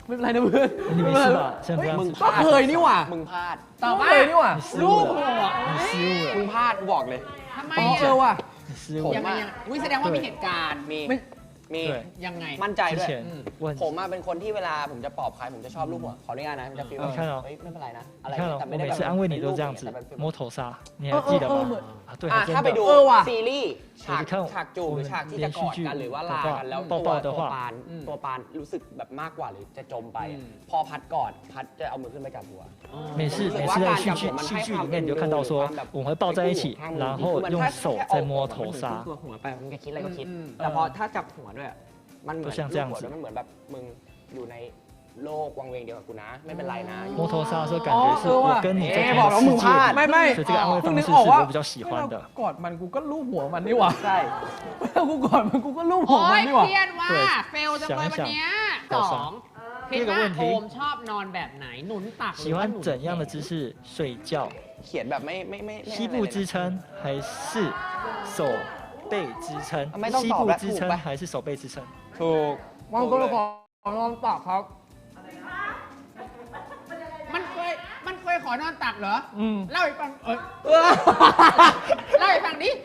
Speaker 4: ไม่เป็นไรนะเพื่อน
Speaker 1: 你没事吧？现在不让
Speaker 3: มึง
Speaker 1: 吃
Speaker 3: พลาด
Speaker 4: เคยนี่หว่า
Speaker 3: มึงพลาด
Speaker 2: ต่อ
Speaker 4: เค
Speaker 2: มาย
Speaker 4: นี่หว่า
Speaker 1: 你失
Speaker 2: ลู
Speaker 1: 误
Speaker 2: กหั
Speaker 1: 了，
Speaker 2: ว
Speaker 1: 你失误
Speaker 3: มึง
Speaker 1: 了，
Speaker 3: พลาดกูบอกเลย
Speaker 2: ทำไม
Speaker 4: อ๋อ
Speaker 2: อ่ะ
Speaker 4: เออว่ะ
Speaker 1: 你失误
Speaker 2: ยัง
Speaker 1: 了。
Speaker 2: ไงยังวิแสดงว่ามีเหตุการณ์
Speaker 3: มี
Speaker 4: ไม่
Speaker 3: มี
Speaker 1: 对，
Speaker 2: ยังไง
Speaker 3: มั่นใจ
Speaker 1: 之
Speaker 3: ด้วย
Speaker 1: 前问
Speaker 3: ผมมาเป็นคนที่เวลาผมจะปลอบใครผมจะชอบลูกหัวขออนุญาตนะมันจะฟีล
Speaker 1: 你看哦
Speaker 3: เฮ้ยไม่เป็นไรนะอะไร
Speaker 1: 你看哦，
Speaker 3: แต่
Speaker 1: 我
Speaker 3: ไม่ได้
Speaker 1: 每
Speaker 3: แบบ
Speaker 1: 次安慰你都这样子
Speaker 3: แต่เป็นฟีล
Speaker 1: 摸头杀，你还记得吗？啊，对，
Speaker 3: อ่ะ
Speaker 1: 还
Speaker 3: ถ้า
Speaker 1: 真
Speaker 3: ไปดู
Speaker 1: 的。
Speaker 4: เออว่ะ
Speaker 3: ซีรีส์ฉาก
Speaker 1: เดี๋ยวจะเข้า
Speaker 3: ฉากจูบหรือฉากที่จะกอดกันหรือว่าลากันแล้ว
Speaker 1: 抱
Speaker 3: ตัว
Speaker 1: 抱的
Speaker 3: ตัว
Speaker 1: 话
Speaker 3: ปาน
Speaker 4: อืม
Speaker 3: ตัวปานรู้สึกแบบมากกว่าหรือจะจมไป
Speaker 4: อืม
Speaker 3: พอพัดกอดพัดจะเอามือขึ้นไปจับหัว
Speaker 1: 每次每次在戏剧戏剧里面，你就看到说我们会抱在一起，然后用手在摸头杀。
Speaker 3: ตัวหัวไปมันจะคิดอะไรก็คิด
Speaker 4: อืม
Speaker 3: แต่พอถ้าจับหัวด้วย มันเหมือน
Speaker 1: ก็像这样子
Speaker 3: ลูกหัวด้วยมันเหมือนแบบมึงอยู่ในโลกวังเวงเดียวกับกูนะ ไม่เป็นไรนะ
Speaker 1: 摸头杀的时候，感觉是我跟你在
Speaker 3: 哎
Speaker 1: 同
Speaker 3: บอกแล้วมึงพลาด
Speaker 1: 个世界
Speaker 4: ไม่
Speaker 1: 里，
Speaker 4: ไม่
Speaker 1: 所以这个安慰
Speaker 4: เพิ่ง
Speaker 1: 方
Speaker 4: นึ
Speaker 1: 式
Speaker 4: ก
Speaker 1: 是
Speaker 4: ออกว่า
Speaker 1: 我比较喜欢的。
Speaker 4: กอดมันกูก็ลูบหัวมันนี่หว่า
Speaker 3: ใช่
Speaker 4: กูกอดมันกูก็ลูบหั
Speaker 2: โอ้
Speaker 4: วมัน
Speaker 2: ย
Speaker 4: นี่หว่า
Speaker 2: เครียดว่า
Speaker 1: 对
Speaker 2: เฟลจังเลยวันเนี้ย
Speaker 1: 想
Speaker 2: ส
Speaker 1: 一想
Speaker 2: องคิดว่า
Speaker 1: 这个问题
Speaker 2: โอมชอบนอนแบบไหนหนุนตักหรือ
Speaker 1: 喜
Speaker 2: ว่าหนุ
Speaker 1: 欢
Speaker 2: น
Speaker 1: 怎样的姿势睡觉？
Speaker 3: เขียนแบบไม่ไม่ไม่ไม่
Speaker 1: 膝部支撑还是手背支撑？
Speaker 3: ไม่ต้อง
Speaker 1: 膝
Speaker 3: ตอบ
Speaker 1: 部
Speaker 3: แล้ว
Speaker 1: 支
Speaker 3: ถูก
Speaker 1: 撑
Speaker 3: ปะ
Speaker 1: 还是手背支撑？
Speaker 3: ถูก
Speaker 4: วางตัวละครนอนปากครับ
Speaker 2: มันเคยมันเคยขอนอนตักเหรอ
Speaker 4: อืม
Speaker 2: เล่าให้ฟังเอยเล่าให้ฟังดิ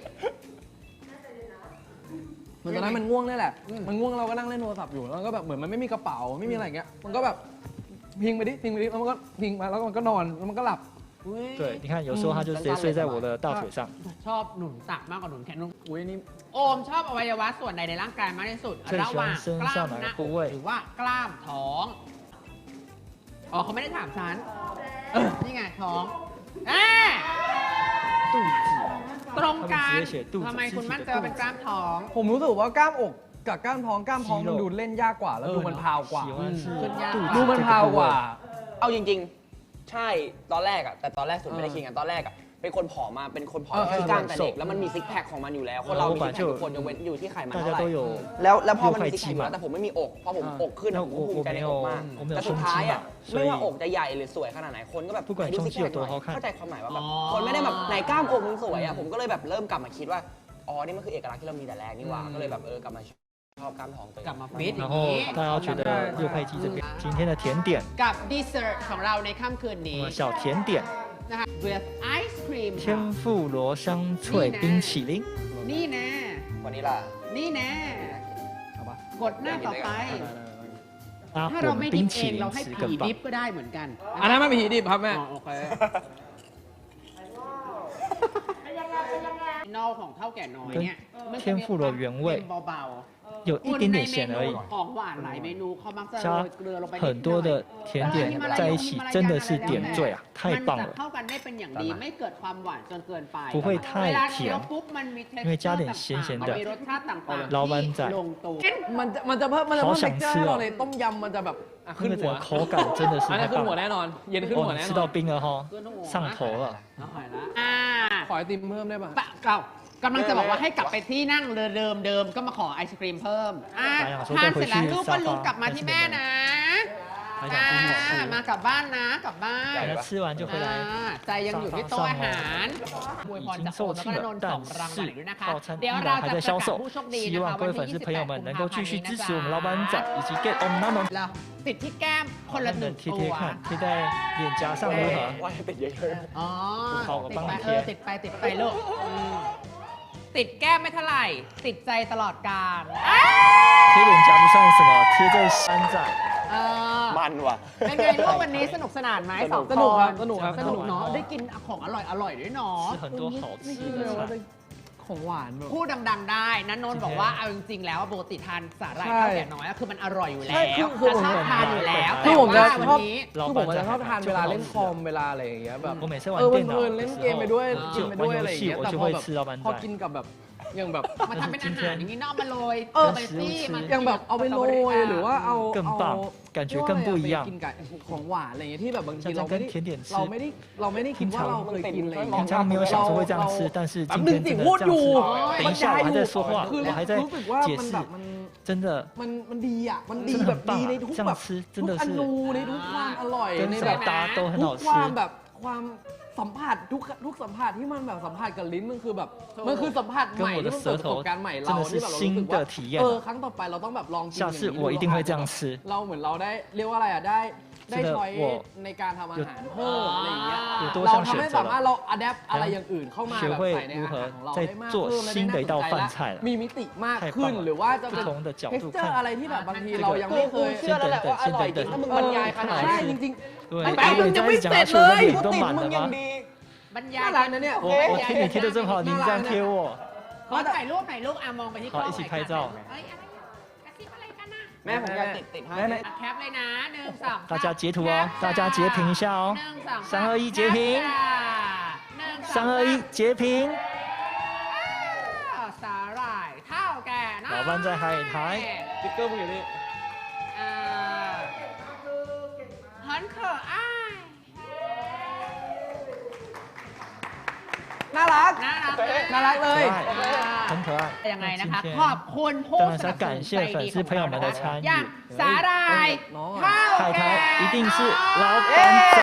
Speaker 4: เหมือนตอนนั้นมันง่วงนี่แหละ
Speaker 2: อืม
Speaker 4: มันง่วงเราก็นั่งเล่นโทรศัพท์อยู่ แล้วก็แบบเหมือนมันไม่มีกระเป๋า ไม่มีอะไรอย่างเงี้ย มันก็แบบพิงไปดิ พิงไปดิ แล้วมันก็พิงมาแล้วมันก็นอน แล้วมันก็หลับ
Speaker 2: อุ๊ย
Speaker 1: 对，你看有时候他就直接睡在我的大腿上。
Speaker 2: ชอบหนุนตักมากกว่าหนุนแขนหนุน
Speaker 4: อุ้ยนี่
Speaker 2: โอมชอบอวัยวะส่วนใดในร่างกายมากที่สุด
Speaker 1: 最喜欢
Speaker 2: ระหว่างกล้าม
Speaker 1: 身上哪
Speaker 2: หน้า
Speaker 1: 个
Speaker 2: อก
Speaker 1: 部位
Speaker 2: หรือว่ากล้ามท้อง อ๋อเขาไม่ได้ถามฉันเออนี่ไงท้องอ่า
Speaker 1: 肚子，
Speaker 2: ตรงกัน
Speaker 1: 他们直接写肚子
Speaker 2: ทำไมคุณมั่นใจ
Speaker 1: 肢体的
Speaker 2: ว่าเป็นกล้ามท้อง
Speaker 4: ผมรู้สึกว่ากล้ามอกกับกล้ามท้อง กล้ามท้องมันดูเล่นยากกว่า แล้วดูมันพาวกว่า
Speaker 1: 喜欢是
Speaker 2: 嗯
Speaker 1: 肚子
Speaker 4: ดูมัน
Speaker 1: 这
Speaker 4: พาว
Speaker 1: 个部
Speaker 4: กว่า
Speaker 1: 位。
Speaker 3: เอาจริงๆ ใช่ตอนแรกอะแต่ตอนแรกสุดไม่ได้คิดกันตอนแรกอะเป็นคนผอมมาเป็นคนผอม
Speaker 4: เออเออ
Speaker 3: ที่กล้ามแต่เด็กแล้วมันมีซิกแพคของมันอยู่แล้ว คนเรามีซิกแพคทุกคนยกเว้นอยู่ที่ไขมัน
Speaker 1: 大
Speaker 3: เท่า
Speaker 1: 家
Speaker 3: ไหร่
Speaker 1: 都有
Speaker 3: แล้วแล้วพอมันมี
Speaker 1: 有
Speaker 3: ซิก
Speaker 1: 块 肌嘛
Speaker 3: แพคอยู่แล้วแต่ผมไม่มีอกพอผม
Speaker 4: อ่า
Speaker 3: อกขึ้นอะผมก็ภูมิใจในอกมาก
Speaker 1: 我没有
Speaker 3: แต่สุด
Speaker 1: 胸
Speaker 3: ท้าย
Speaker 1: 肌
Speaker 3: อะ
Speaker 1: 嘛，所
Speaker 3: ไม่
Speaker 1: 以
Speaker 3: ว่าอกจะใหญ่หรือสวยขนาดไหนคนก็แบบ
Speaker 1: 不管
Speaker 3: ไหนดูซิก
Speaker 1: 胸肌
Speaker 3: แพ
Speaker 1: 有
Speaker 3: คห
Speaker 1: 多
Speaker 3: น่อย
Speaker 1: 好看
Speaker 3: เข้าใจความหมายว่าแบบ
Speaker 2: อ๋อ
Speaker 3: คนไม่ได้แบบไหนกล้ามอกมึงสวยอะผมก็เลยแบบเริ่มกลับมาคิดว่าอ๋อนี่มันคือเอกลักษณ์ที่เรามีแต่แรกนี่หว่า
Speaker 4: อืม
Speaker 3: ก็เลยแบบเออกลับมาชอบกล้ามท้องตัวเอง
Speaker 2: กลับมาฟิตอย่า
Speaker 1: 然
Speaker 2: ง
Speaker 1: 后
Speaker 2: นี้
Speaker 1: 大家觉得六块肌这边今天的甜点，
Speaker 2: กับดีเซอร์ของเราในค่ำคืน
Speaker 1: 我
Speaker 2: นี้
Speaker 1: 们小甜点
Speaker 2: นะคะ with ice cream ค่ะ
Speaker 1: 天妇罗香脆冰淇淋，
Speaker 2: นี่แน่
Speaker 3: วันนี้ล่ะ
Speaker 2: นี่แน่
Speaker 4: เอาปะ
Speaker 2: กดหน้าต่อไป
Speaker 1: 阿
Speaker 2: ถ้าเรา
Speaker 1: 混
Speaker 2: ไม่ดิ
Speaker 1: 冰
Speaker 2: ฟเอ
Speaker 1: 淇
Speaker 2: ง
Speaker 1: 淋
Speaker 2: เราให้
Speaker 1: 十
Speaker 2: ผี
Speaker 1: 根
Speaker 2: ดิ
Speaker 1: 棒
Speaker 2: ฟ。ก็ได้เหมือนกัน
Speaker 4: อันนั้นไม่มีดิบครับแม่
Speaker 2: อ๋อโอเคนอกของเท่าแก่น้อยเนี่ยมันจะมีความเค็มเบาๆ
Speaker 1: 有一点点咸而已，
Speaker 2: ของหวานหลายเมนูเขามักจะโร
Speaker 1: 加
Speaker 2: ยเกลือลงไป
Speaker 1: 很多的甜点在一起，真的是点缀啊，太
Speaker 2: มัน
Speaker 1: 棒
Speaker 2: จะ
Speaker 1: 了。
Speaker 2: เข้ากันได้เป็นอย่างดีไม่เกิดความหวานจนเกินไป
Speaker 1: 不会太
Speaker 2: เวลา
Speaker 1: 甜
Speaker 2: เคี้ยวปุ๊บมันมี texture
Speaker 1: 因为加点
Speaker 2: ต่างๆ
Speaker 1: 咸咸的
Speaker 2: มีรสชาติต่างๆ
Speaker 1: 老板仔
Speaker 2: ที่ลงตัว
Speaker 4: มันจะมันจะเพิ่มมันจะเพิ่ม
Speaker 1: 好想
Speaker 4: texture
Speaker 1: 吃哦
Speaker 4: ให้เราเลยต้มยำมันจะแบบอ่ะ
Speaker 1: 那
Speaker 4: ขึ้น
Speaker 1: 个
Speaker 4: หั
Speaker 1: 整
Speaker 4: ว
Speaker 1: 个口感真的是
Speaker 4: อันนี้
Speaker 1: 太
Speaker 4: ขึ้น
Speaker 1: 棒
Speaker 4: หัว
Speaker 1: 了。
Speaker 4: แน่นอน เย็นขึ้นหัว
Speaker 1: 哦，
Speaker 4: แน่
Speaker 1: 你
Speaker 4: น
Speaker 1: 吃
Speaker 4: อ
Speaker 1: 到
Speaker 4: น
Speaker 1: 冰了哈，
Speaker 2: ขึ้นหัว
Speaker 1: 上头了。
Speaker 2: อร่อยละอ่า
Speaker 4: ขอไอติมเพิ่มได้ป่ะ
Speaker 2: ปะเรากำลังจะบอกว่าให้กลับไปที่นั่งเดิมเดิมๆก็มาขอไอศครีมเพิ่มอ่ะ
Speaker 1: ไปอ่ะ
Speaker 2: ทานเสร็จแล้ว
Speaker 1: ไปคุยที่
Speaker 2: ลูกก็ลูก
Speaker 1: 沙发
Speaker 2: กลับมาที่แม่นะ
Speaker 1: 还
Speaker 2: อ่า
Speaker 1: 想继续吃，
Speaker 2: มากลับบ้านนะกลับบ้าน
Speaker 1: 等他吃完就回
Speaker 2: อ่า
Speaker 1: 来。
Speaker 2: ใจยังอยู่ที่โต๊ะอาหารอวยพรจากโอมแล้วก็นนท์สองรางวัลอีกด้วยนะคะ เดี๋ยวเราจะประกาศผู้โชคดี
Speaker 1: 希
Speaker 2: นะคะ
Speaker 1: 望各
Speaker 2: วัน
Speaker 1: 位粉
Speaker 2: ที่
Speaker 1: 丝朋友们能够继续支持我们老板仔以及 Get On 他们，
Speaker 2: เราติดที่แก้มคนละหนึ่ง
Speaker 1: 贴
Speaker 2: ตัว
Speaker 1: 贴看，贴在脸颊上如何？
Speaker 3: ว่าให้ติดเยอะ
Speaker 2: อ๋อ
Speaker 1: เขาก็
Speaker 2: ติด
Speaker 1: บ้าง
Speaker 2: ไป
Speaker 1: เที
Speaker 2: เอย อติดไปติดไปลูกอืมติดแก้มไม่เท่าไหร่ ติดใจตลอดกาลอ้า
Speaker 1: 贴脸颊不算什么，贴在山仔。
Speaker 2: เออ
Speaker 3: ๆมันว่ะ
Speaker 2: เป็นไงลูกวันนี้สนุกสนานไหมสอง
Speaker 4: สนุกครับ
Speaker 2: น
Speaker 4: สนุกครับ
Speaker 2: สนุกเนาะได้กินของอร่อยอร่อยด้วยเนาะ
Speaker 1: 吃很多好吃
Speaker 4: นี่เลย
Speaker 1: 的
Speaker 4: ว่า
Speaker 1: 菜。
Speaker 4: ของหวานแบบ
Speaker 2: พูดดังๆได้นันนนท์บอกว่าเอาจริงๆแล้วปกติทานสาหร่าย
Speaker 4: ใช่
Speaker 2: ข้าวแก่น้อยอะคือมันอร่อยอยู่แล้
Speaker 4: ใช่
Speaker 2: ว
Speaker 4: คือคือ
Speaker 2: ชอบทานอยู่แล้ว
Speaker 4: คือผมจะ
Speaker 2: แต่ว่า
Speaker 4: ชอบ
Speaker 2: วันนี้
Speaker 4: คือผมจะชอบทานเวลาเล่นคอมเวลาอะไรอย่างเงี้ยแบบ
Speaker 1: 我每次玩
Speaker 4: เออ
Speaker 1: 电
Speaker 4: เพ
Speaker 1: 脑
Speaker 4: ลินๆ
Speaker 1: 的
Speaker 4: เล่น
Speaker 1: 时
Speaker 4: เกมไปด้วย
Speaker 1: 候，
Speaker 4: กิน
Speaker 1: 就
Speaker 4: ไป
Speaker 1: 玩
Speaker 4: ด้วยอะไร
Speaker 1: 游
Speaker 4: อย่าง
Speaker 1: 戏
Speaker 4: เงี้ย
Speaker 1: 我
Speaker 4: แต่
Speaker 1: 就
Speaker 4: พอ
Speaker 1: 会
Speaker 4: แบบ
Speaker 1: 吃老板
Speaker 4: พอ
Speaker 1: 仔
Speaker 4: กิน。กับแบบอย่างแบบ
Speaker 2: มาทำเป็นอาหารอย่างนี้เนอกมาโรย
Speaker 4: เออ
Speaker 2: เบอร์ตี้มัน
Speaker 4: อย่างแบบเอาไปโรยหรือว่าเอา
Speaker 1: 更
Speaker 4: เอา
Speaker 1: 棒，感觉更不一样
Speaker 4: ไปกินกับของหวานอะไรอย่างเงี้ยที่แบบบางที
Speaker 1: 像
Speaker 4: เรา
Speaker 1: 在
Speaker 4: ไม่
Speaker 1: 跟
Speaker 4: ได้
Speaker 1: 甜点吃
Speaker 4: เราไม่ได้เราไม่ได้คิดว่าเราเคยกินอะไรอย่างเงี้
Speaker 1: 平
Speaker 4: ย
Speaker 1: 常没有想说会这样吃，但是
Speaker 4: แป๊บ
Speaker 1: 今
Speaker 4: นึง
Speaker 1: 天
Speaker 4: สิ
Speaker 1: 真的
Speaker 4: พูด
Speaker 1: 这
Speaker 4: อยู่
Speaker 1: 样吃，等一下我还在说话，
Speaker 4: คือ
Speaker 1: 我还在
Speaker 4: รู้สึกว่า
Speaker 1: 解
Speaker 4: มัน
Speaker 1: 释
Speaker 4: แบบมัน
Speaker 1: 真的
Speaker 4: มันมันดีอ่ะมันดี
Speaker 1: 真的
Speaker 4: แบบ
Speaker 1: 很棒
Speaker 4: ดีใน
Speaker 1: 啊
Speaker 4: ทุก
Speaker 1: 这
Speaker 4: แบ
Speaker 1: 样
Speaker 4: บ
Speaker 1: 吃真
Speaker 4: ทุ
Speaker 1: 的
Speaker 4: กอ
Speaker 1: 是
Speaker 4: นูในทุกความอร่อย
Speaker 1: 跟
Speaker 4: ใน
Speaker 1: 什
Speaker 4: แบ
Speaker 1: 么
Speaker 4: บ
Speaker 1: 搭都很
Speaker 4: ทุ
Speaker 1: 好
Speaker 4: กความ
Speaker 1: 吃
Speaker 4: แบบความสัมผัสทุกทุกสัมผัสที่มันแบบสัมผัสกับลิ้นมันคือแบบมันคือสัมผัสใหม่ที่มันเปิดประสบการณ์ใหม่เราที่แบบเรารู้สึกว่าเออครั้งต่อไปเราต้องแบบลองกินอย่างนี้เราเหมือนเราได้เรียกว่าอะไรอ่ะได้ได้ช้อยในการทำอาหารเพิ่มอะไรอย่างเงี้ยเราทำให้สามารถเราอัดแอปอะไรอย่างอื่นเข้ามาแบบใส่ในอาหารของเราได้มากขึ้นและได้น่าสนใจและมีมิติมากขึ้นหรือว่าจะเป็น texture อะไรที่แบบบางทีเรายังไม่เคย
Speaker 3: เชื่อแล้วแหละว่าอร่อยจริงถ้ามึงบรรยายขนาด
Speaker 4: ใช่
Speaker 3: นี้
Speaker 4: จริง
Speaker 1: 对，
Speaker 3: ไอ้
Speaker 1: 因
Speaker 3: แป๊บ
Speaker 1: 为
Speaker 3: มึง
Speaker 1: 你
Speaker 3: ยัง
Speaker 1: 这
Speaker 3: ไม่
Speaker 1: 样一
Speaker 3: เส
Speaker 1: 讲，
Speaker 3: ร็
Speaker 1: 他
Speaker 3: จ
Speaker 1: 手
Speaker 3: เล
Speaker 1: 的
Speaker 3: ย
Speaker 1: 脸
Speaker 3: พูด
Speaker 1: 都
Speaker 3: ติ่ง
Speaker 1: 满
Speaker 3: มึง
Speaker 1: 了
Speaker 3: ยัง
Speaker 1: 吗？
Speaker 3: ดี
Speaker 2: บรรยา
Speaker 4: ๆ
Speaker 2: ย
Speaker 4: น่ารักนะเนี่ยโอ
Speaker 1: 我
Speaker 4: เค
Speaker 1: 我听你听的真好，您这样贴我，
Speaker 2: ขอถ่ายรูปหน่อยลูกอ่ะมองไปที่กล้อง
Speaker 1: 好一起拍照
Speaker 2: เฮ้ยอะไรอ่ะกระซิบอะไรกันน่ะ
Speaker 3: แม่ผมอยากติดติดให้
Speaker 4: แม่
Speaker 2: อ่ะแคปเลยนะหนึ่งสอง
Speaker 1: 大家截图哦，大家截屏一下哦
Speaker 2: หนึ่งสอง
Speaker 1: 三二一截屏
Speaker 2: หนึ่งสอง
Speaker 1: 三二一截屏，
Speaker 2: อ้าวสาหร่ายเท่าแก่น้อย
Speaker 1: 老班在海苔，
Speaker 4: สติ๊กเกอร์มึงอยู่นี่
Speaker 2: อ่า很可爱
Speaker 4: น่ารัก
Speaker 2: น่ารัก
Speaker 4: น่ารักเลย
Speaker 1: 可爱，很可爱。
Speaker 2: ยังไงนะ
Speaker 1: 那
Speaker 2: คะ
Speaker 1: 今
Speaker 2: ขอบ
Speaker 1: 天
Speaker 2: คุณผู้
Speaker 1: 当
Speaker 2: ส
Speaker 1: 然是
Speaker 2: นั
Speaker 1: 要
Speaker 2: บสนุ
Speaker 1: 感
Speaker 2: น
Speaker 1: 谢
Speaker 2: ใจ
Speaker 1: 粉
Speaker 2: ดี
Speaker 1: 丝
Speaker 2: ของ
Speaker 1: 朋友
Speaker 2: เรา
Speaker 1: 们
Speaker 2: นะ
Speaker 1: 的
Speaker 2: คะ
Speaker 1: 参与
Speaker 2: อย่าง。สาหร่าย
Speaker 4: น้อง
Speaker 2: เท่า
Speaker 1: 海
Speaker 2: แก่
Speaker 1: 苔一定是
Speaker 2: น้อย
Speaker 1: 老板